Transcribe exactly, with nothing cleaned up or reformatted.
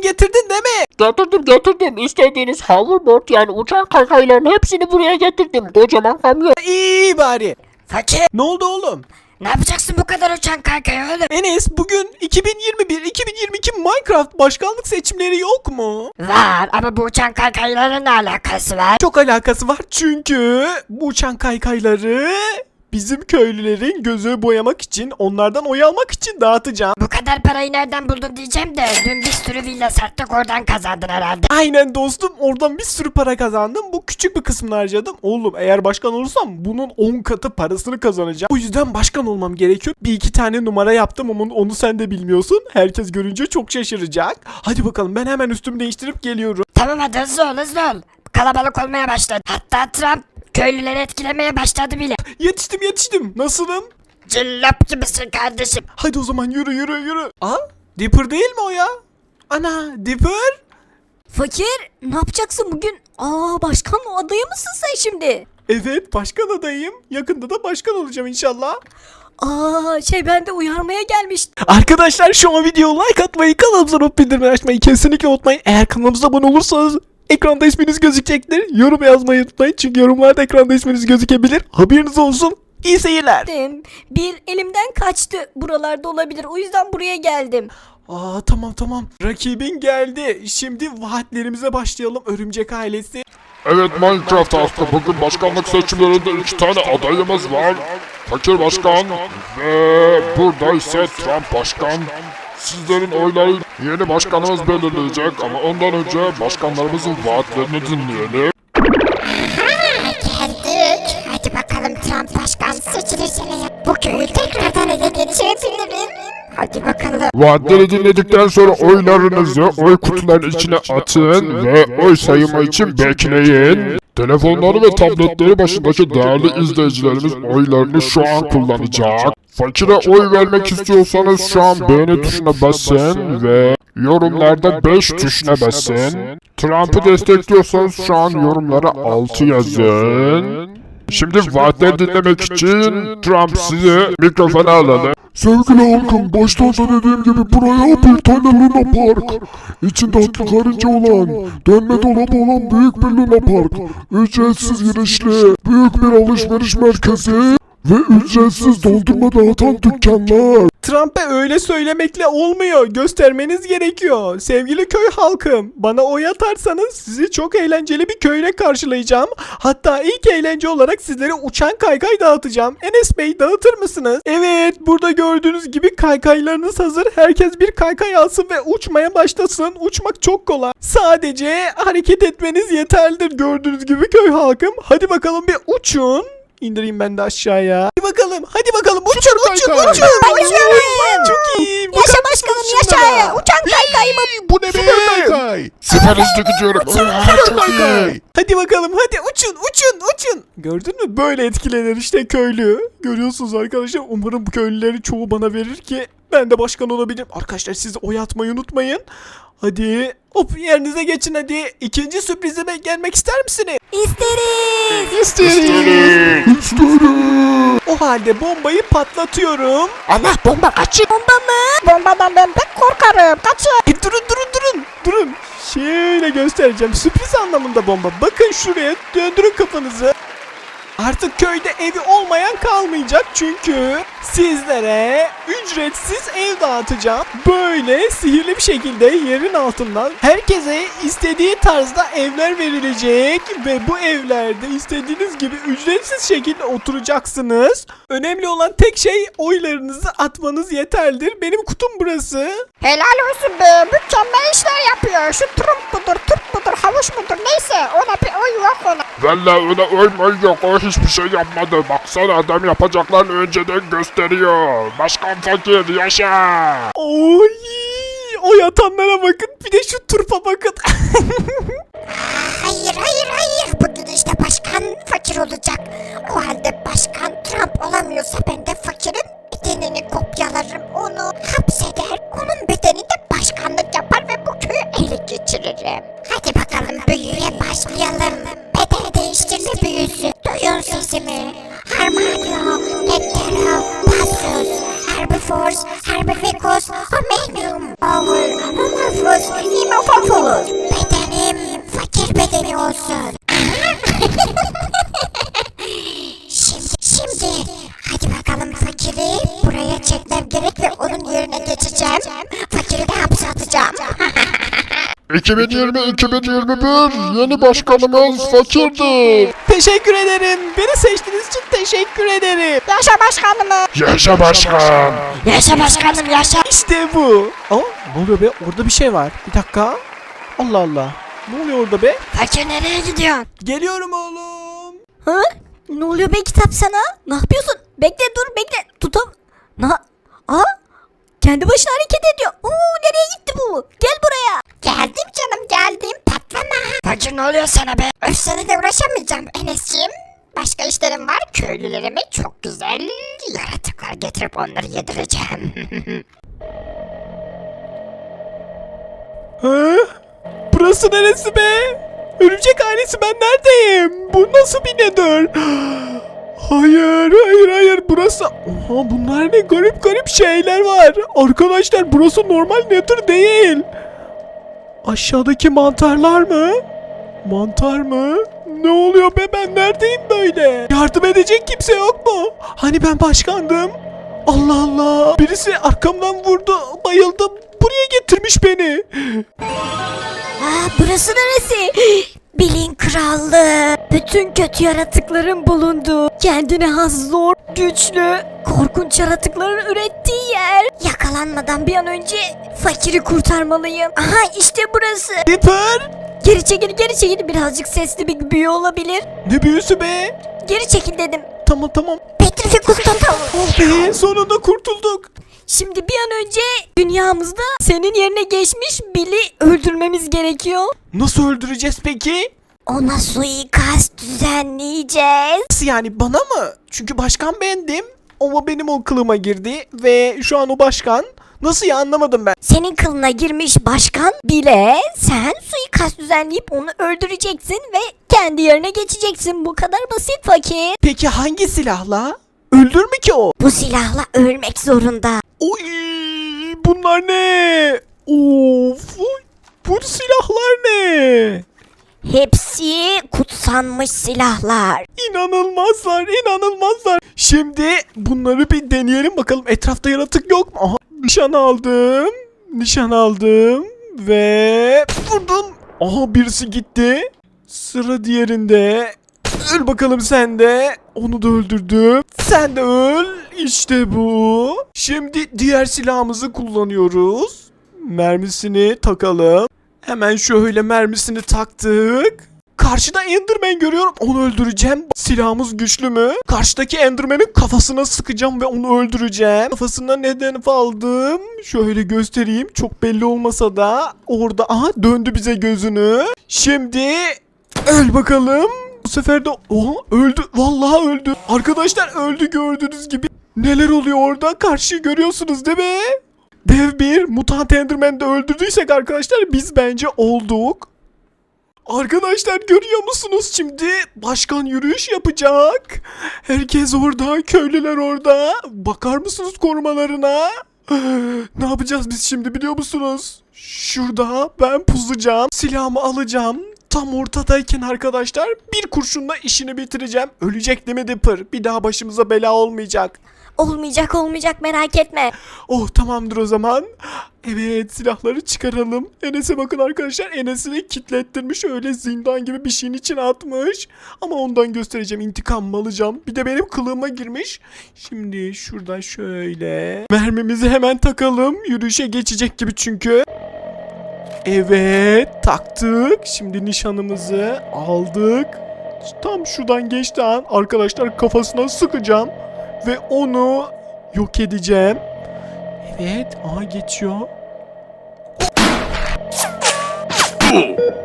Getirdin değil mi? Getirdim getirdim. İstediğiniz hoverboard yani uçan kaykayların hepsini buraya getirdim. Kocaman kamyon. İyi bari. Fakir, Ne oldu oğlum? ne yapacaksın bu kadar uçan kaykayı oğlum? Enes, bugün iki bin yirmi bir iki bin yirmi iki Minecraft başkanlık seçimleri yok mu? Var ama bu uçan kaykaylarla ne alakası var? Çok alakası var çünkü bu uçan kaykayları bizim köylülerin gözü boyamak için, onlardan oy almak için dağıtacağım. Bu kadar parayı nereden buldun diyeceğim de dün bir sürü villa sattık, oradan kazandın herhalde. Aynen dostum, oradan bir sürü para kazandım. Bu küçük bir kısmını harcadım. Oğlum eğer başkan olursam bunun on katı parasını kazanacağım. O yüzden başkan olmam gerekiyor. Bir iki tane numara yaptım ama onu sen de bilmiyorsun. Herkes görünce çok şaşıracak. Hadi bakalım, ben hemen üstümü değiştirip geliyorum. Tamam hadi hızlı ol hızlı ol. Kalabalık olmaya başladı. Hatta Trump köylüleri etkilemeye başladı bile. Yetiştim yetiştim. Nasılım? Cillop gibisin kardeşim. Hadi o zaman yürü yürü yürü. Aa, Dipper değil mi o ya? Ana, Dipper? Fakir, ne yapacaksın bugün? Aa, başkan adayı mısın sen şimdi? Evet, başkan adayım. Yakında da başkan olacağım inşallah. Aa, şey ben de uyarmaya gelmiştim. Arkadaşlar şu an videoya like atmayı, kanalımıza not bildirimleri açmayı kesinlikle unutmayın. Eğer kanalımıza abone olursanız ekranda isminiz gözükecektir. Yorum yazmayı unutmayın çünkü yorumlarda ekranda isminiz gözükebilir. Haberiniz olsun. İyi seyirler. Bir elimden kaçtı. Buralarda olabilir. O yüzden buraya geldim. Aa, tamam tamam. Rakibin geldi. Şimdi vaatlerimize başlayalım, örümcek ailesi. Evet Minecraft halkı, bugün başkanlık seçimlerinde iki tane adayımız var. Fakir Başkan ve burada ise Trump Başkan. Sizlerin oyları yeni başkanımız belirleyecek ama ondan önce başkanlarımızın vaatlerini dinleyelim. Geldik. Hadi bakalım, Trump başkan seçilirse bu köyü tekrardan ele geçirebilirim. Hadi bakalım. Vaatleri dinledikten sonra oylarınızı oy kutularının içine atın ve oy sayımı için bekleyin. Telefonları ve tabletleri başındaki değerli izleyicilerimiz oylarını şu an kullanacak. Fakire oy vermek istiyorsanız şu an beğeni tuşuna basın ve yorumlarda beş tuşuna basın. Trump'ı destekliyorsanız şu an yorumlara altı yazın. Şimdi vaatleri dinlemek için Trump sizi mikrofona alalım. Sevgili halkım, baştan da dediğim gibi buraya bir tane Luna Park, içinde atlı karınca olan, dönme dolabı olan büyük bir Luna Park, ücretsiz girişli, büyük bir alışveriş merkezi ve ücretsiz dondurma dağıtan dükkanlar. Trump'a öyle söylemekle olmuyor. Göstermeniz gerekiyor. Sevgili köy halkım, bana oy atarsanız sizi çok eğlenceli bir köyle karşılayacağım. Hatta ilk eğlence olarak sizlere uçan kaykay dağıtacağım. Enes Bey, dağıtır mısınız? Evet, burada gördüğünüz gibi kaykaylarınız hazır. Herkes bir kaykay alsın ve uçmaya başlasın. Uçmak çok kolay. Sadece hareket etmeniz yeterlidir gördüğünüz gibi köy halkım. Hadi bakalım bir uçun. İndireyim ben de aşağıya. Hadi bakalım, hadi bakalım. Uçun, uçun, uçun. Ben uçuyorum. Çok iyi. Yaşa başkanım, yaşa. Uçan kaykayımı. Bu ne be? Süper hızlı gidiyorum. Aa, çok iyi. Hadi bakalım, hadi uçun, uçun, uçun. Gördün mü? Böyle etkilenir işte köylü. Görüyorsunuz arkadaşlar. Umarım bu köylüleri çoğu bana verir ki ben de başkan olabilirim. Arkadaşlar siz oy atmayı unutmayın. Hadi hop, yerinize geçin hadi. İkinci sürprizime gelmek ister misiniz? İsteriz. İsterim. O halde bombayı patlatıyorum. Allah bomba kaçın. Bomba mı? Bombadan ben pek korkarım. Kaçın. E, durun durun durun durun. Şöyle göstereceğim. Sürpriz anlamında bomba. Bakın şuraya, döndürün kafanızı. Artık köyde evi olmayan kalmayacak çünkü sizlere ücretsiz ev dağıtacağım. Böyle sihirli bir şekilde yerin altından herkese istediği tarzda evler verilecek ve bu evlerde istediğiniz gibi ücretsiz şekilde oturacaksınız. Önemli olan tek şey oylarınızı atmanız yeterlidir. Benim kutum burası. Helal olsun be, mükemmel işler yapıyor. Şu Trump mudur, Türk mudur, havuç mudur, neyse ona bir oy yok ona. Valla öyle oymayı yok, o hiçbir şey yapmadı. Baksana, adam yapacaklarını önceden gösteriyor. Başkan Fakir yaşa. Oy! Oy atanlara bakın. Bir de şu turpa bakın. Hayır, hayır, hayır. Bugün işte başkan fakir olacak. O halde başkan Trump olamıyorsa ben de fakirin bedenini kopyalarım. Onu hapseder. Onun bedeninde başkanlık yapar ve bu köyü ele geçiririm. Hadi bakalım, büyüye başlayalım. Beden değiştirme büyüsü. Duyun sesimi. Harmanio, Nectero, Passus, Herbiforce, Herbivicus, Omenium, Owl, Omorphus. ruhumuz imofop olur. Bedenim fakir bedeni olsun. şimdi, şimdi hadi bakalım fakiri buraya çekmem gerek ve onun yerine geçeceğim. Fakiri de hapse atacağım. iki bin yirmi iki bin yirmi bir yeni başkanımız fakirdir. Teşekkür ederim. Beni seçtiğiniz için teşekkür ederim. Yaşa başkanımı. Yaşa başkan. Yaşa başkanım yaşa. İşte bu. Aa, ne oluyor be? Orada bir şey var. Bir dakika. Allah Allah. Ne oluyor orada be? Fakir nereye gidiyorsun? Geliyorum oğlum. Ha? Ne oluyor be kitap sana? Ne yapıyorsun? Bekle dur bekle. Tutam. Na. Aa. Kendi başına hareket ediyor. Oo nereye gitti bu? Gel buraya. Geldim canım geldim. Patlama. Fakir ne oluyor sana be? Öf seninle uğraşamayacağım Enes'ciğim. Başka işlerim var. Köylülerime çok güzel yaratıklar getirip onları yedireceğim. Ha? Burası neresi be? Örümcek ailesi ben neredeyim? Bu nasıl bir nedir? Hayır hayır hayır burası. Oha bunlar ne garip garip şeyler var. Arkadaşlar burası normal nedir değil. Aşağıdaki mantarlar mı? Mantar mı? Ne oluyor be ben neredeyim böyle? Yardım edecek kimse yok mu? Hani ben başkandım? Allah Allah. Birisi arkamdan vurdu. Bayıldım. Buraya getirmiş beni. Aa burası neresi? Bilin krallığı. Bütün kötü yaratıkların bulunduğu, kendine has zor, güçlü, korkunç yaratıkların ürettiği yer. Yakalanmadan bir an önce fakiri kurtarmalıyım. Aha işte burası. Dipper. Geri çekil geri çekil, birazcık sesli bir büyü olabilir. Ne büyüsü be? Geri çekil dedim. Tamam tamam. Petrifikus total. Oh be sonunda kurtulduk. Şimdi bir an önce dünyamızda senin yerine geçmiş Bill'i öldürmemiz gerekiyor. Nasıl öldüreceğiz peki? Ona suikast düzenleyeceğiz. Nasıl yani bana mı? Çünkü başkan bendim. Ama benim o kılıma girdi ve şu an o başkan. Nasıl ya anlamadım ben. Senin kılına girmiş başkan bile sen suikast düzenleyip onu öldüreceksin ve kendi yerine geçeceksin. Bu kadar basit fakir. Peki hangi silahla? Öldür mü ki o? Bu silahla ölmek zorunda. Oy bunlar ne? Of bu silahlar ne? Hepsi kutsanmış silahlar. İnanılmazlar inanılmazlar. Şimdi bunları bir deneyelim bakalım etrafta yaratık yok mu? Aha, nişan aldım. Nişan aldım. Ve vurdum. Aha birisi gitti. Sıra diğerinde. Öl bakalım sen de. Onu da öldürdüm. Sen de öl. İşte bu. Şimdi diğer silahımızı kullanıyoruz. Mermisini takalım. Hemen şöyle mermisini taktık. Karşıda Enderman görüyorum. Onu öldüreceğim. Silahımız güçlü mü? Karşıdaki Enderman'in kafasına sıkacağım ve onu öldüreceğim. Kafasına neden aldım? Şöyle göstereyim. Çok belli olmasa da orada. Aha döndü bize gözünü. Şimdi öl bakalım. Bu sefer de oha öldü. Vallahi öldü. Arkadaşlar öldü gördüğünüz gibi. Neler oluyor orada? Karşıyı görüyorsunuz değil mi? Dev bir mutant Enderman'i de öldürdüysek arkadaşlar biz bence olduk. Arkadaşlar görüyor musunuz şimdi? Başkan yürüyüş yapacak. Herkes orada, köylüler orada. Bakar mısınız korumalarına? Ne yapacağız biz şimdi biliyor musunuz? Şurada ben puzacağım. Silahımı alacağım. Tam ortadayken arkadaşlar bir kurşunla işini bitireceğim. Ölecek değil mi Dipper? Bir daha başımıza bela olmayacak. Olmayacak olmayacak merak etme. Oh tamamdır o zaman. Evet silahları çıkaralım. Enes'e bakın arkadaşlar. Enes'i kilitlettirmiş öyle zindan gibi bir şeyin içine atmış. Ama ondan göstereceğim intikamımı alacağım. Bir de benim kılığıma girmiş. Şimdi şuradan şöyle. Mermimizi hemen takalım. Yürüyüşe geçecek gibi çünkü. Evet taktık. Şimdi nişanımızı aldık. Tam şuradan geçti an arkadaşlar kafasına sıkacağım. Ve onu yok edeceğim. Evet. Aha geçiyor.